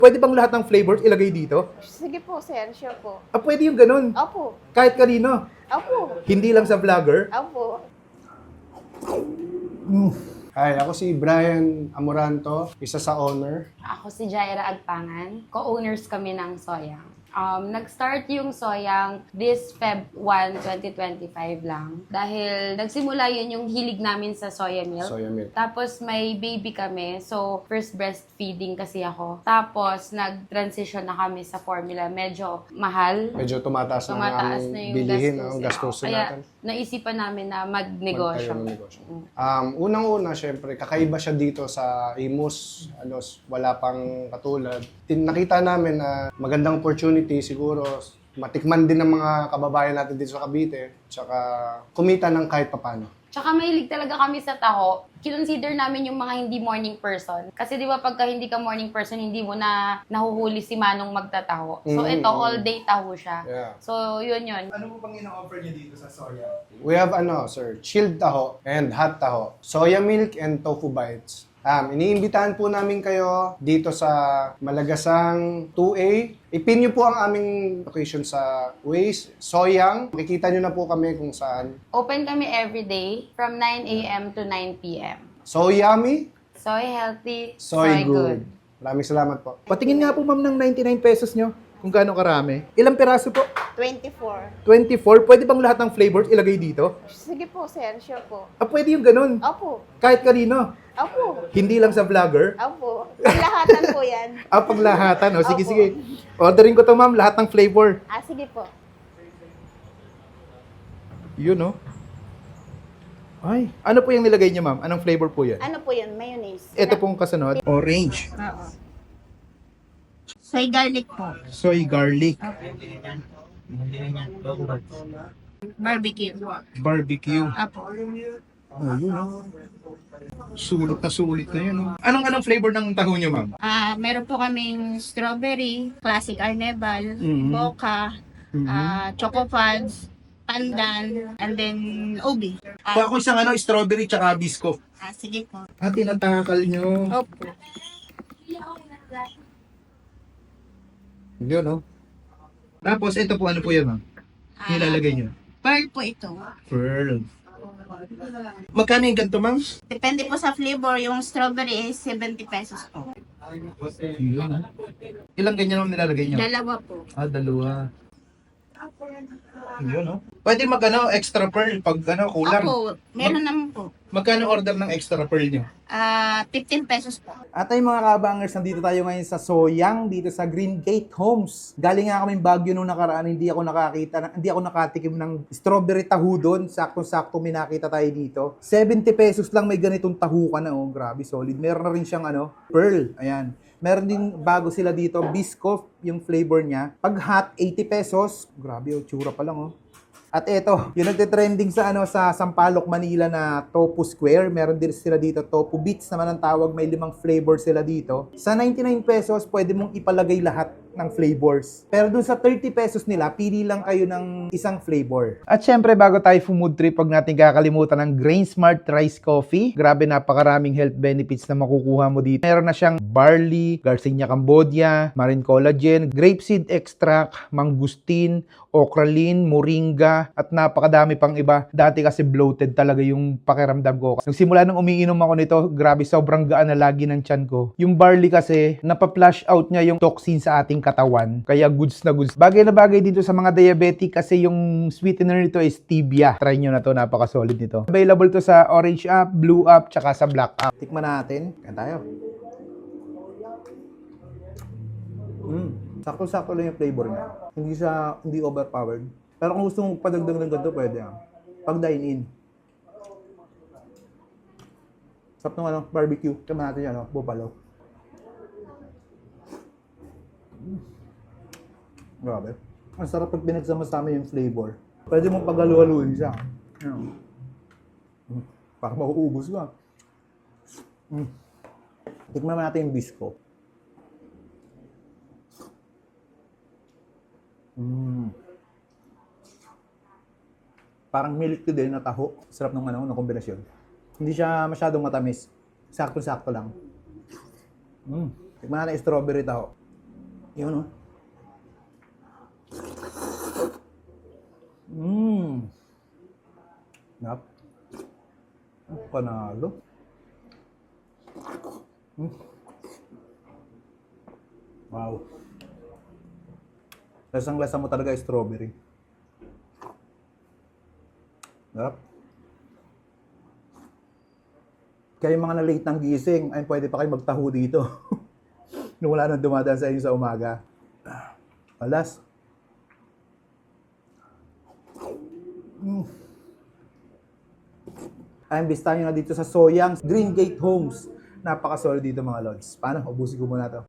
Pwede bang lahat ng flavors ilagay dito? Sige po, sir. Sure po. Pwede yung ganun. Opo. Kahit kanino. Opo. Hindi lang sa vlogger. Opo. Hi, ako si Brian Amoranto, isa sa owner. Ako si Jaira Agpangan. Co-owners kami ng Soyang. Nag-start yung Soyang this Feb 1, 2025 lang. Dahil nagsimula yun yung hilig namin sa soya milk. Soya milk. Tapos may baby kami. So, first breastfeeding kasi ako. Tapos, nag-transition na kami sa formula. Medyo mahal. Medyo tumataas na Tumataas ang na yung bilihin, gastos. ang gastusin Kaya, natin. naisipan namin na magnegosyo. Magtayo ng negosyo. Unang-una, syempre, kakaiba siya dito sa Imus. Wala pang katulad. Nakita namin na magandang opportunity siguro. Matikman din ng mga kababayan natin dito sa Cavite. Tsaka kumita ng kahit papano. Tsaka mahilig talaga kami sa taho. Kinonsider namin yung mga hindi morning person. Kasi di ba pagka hindi ka morning person, hindi mo na nahuhuli si Manong magtataho. So ito, all day taho siya. Yeah. So yun yun. Ano mo pang ina-offer niyo dito sa soya? We have sir, chilled taho and hot taho. Soya milk and tofu bites. Iniimbitahan po namin kayo dito sa Malagasang 2A. Ipin niyo po ang aming location sa Waze, Soyang. Makikita niyo na po kami kung saan. Open kami everyday from 9 a.m. to 9 p.m. So yummy, Soy healthy, soy good. Maraming salamat po. Patingin nga po ma'am ng 99 pesos nyo. Kung gaano karami. Ilang piraso po? 24. 24. Pwede bang lahat ng flavors ilagay dito? Sige po, sir. Sure po. Pwede yung ganun. Opo. Kahit kanino. Opo. Hindi lang sa vlogger. Opo. Lahatan po yan. Paglahatan. Sige, Opo. sige. Orderin ko to ma'am, lahat ng flavor. Sige po. Yun, no? Ay, ano po yung nilagay niyo ma'am? Anong flavor po yan? Ano po yan? Mayonnaise. Ito pong kasunod. Orange. Oo. Soy garlic po. Soy garlic. Barbecue. Barbecue. Apo. Oh, yun, no? Sulit na yun, no? Anong flavor ng taho niyo ma'am? Meron po kaming strawberry, classic arnebal, Mhm. mocha, choco fudge, pandan, and then ubi. Ako isang strawberry tsaka bisco. Sige po. Tinatakal nyo. Opo. Yun, no? Tapos, ito po, ano po yan, ma'am? Nilalagay nyo? Pearl po ito. Pearl. Magkano yung ganito, ma'am? Depende po sa flavor. Yung strawberry is 70 pesos po. Yun, ha? Ilang ganyan ang nilalagay nyo? Dalawa po. Dalawa. Yun, no? Pwede extra pearl pag kulang. Opo, meron naman po. Magkano order ng extra pearl nyo? 15 pesos po. At ay mga kabangers, nandito tayo ngayon sa Soyang, dito sa Green Gate Homes. Galing nga kami Baguio nung nakaraan, hindi ako nakatikim ng strawberry tahu doon. Sakto-sakto may nakita tayo dito. 70 pesos lang may ganitong tahu ka na, oh. Grabe, solid. Meron na rin siyang pearl. Ayan. Meron din bago sila dito, biscoff yung flavor niya. Pag hot, 80 pesos. Grabe, oh, tsura pa lang, oh. At eto, yung nagte-trending sa Sampaloc, Manila na Tofu Square. Meron din sila dito, Tofu Bits naman ang tawag. May 5 flavor sila dito. Sa 99 pesos, pwede mong ipalagay lahat ng flavors. Pero dun sa 30 pesos nila, pili lang kayo ng isang flavor. At syempre, bago tayo food trip, pag natin kakalimutan ng Grain Smart Rice Coffee. Grabe, napakaraming health benefits na makukuha mo dito. Meron na siyang barley, Garcinia Cambodia, marine collagen, grapeseed extract, mangustin, okralin, moringa, at napakadami pang iba. Dati kasi bloated talaga yung pakiramdam ko. Nung simula nung umiinom ako nito, grabe, sobrang gaan na lagi ng tiyan ko. Yung barley kasi, napaplush out niya yung toxin sa ating katawan. Kaya goods na goods. Bagay na bagay dito sa mga diabetic kasi yung sweetener nito is stevia. Try nyo na to, napaka-solid nito. Available to sa Orange app, Blue app, tsaka sa Black app. Tikman natin. Kaya tayo. Sakto-sakto lang yung flavor niya. Hindi overpowered. Pero kung gusto mong padagdag ng ganito, pwede yan. Pag dine-in. Sarap ng barbecue. Kama natin yan, buffalo. Grabe. Ang sarap pag pinagsama-sama yung flavor. Pwede mong paghalu-haluin siya. Para mauubos ka. Tikman natin yung bisco. Parang milk tea din na taho. Sarap ng ng kombinasyon. Hindi siya masyadong matamis. Sakto-sakto lang. Tikman natin yung strawberry taho. Yun, oh. Mmm. Nap. Panalo. Wow. Lasang-lasa mo talaga yung strawberry. Sarap. Kaya yung mga na-late ng gising, ay pwede pa kayo magtaho dito. Nung wala nang dumadaan sa inyo sa umaga. Alas. Imbestahan nyo na dito sa Soyang Green Gate Homes. Napaka-solid dito mga lods. Paano? Ubusin ko muna to.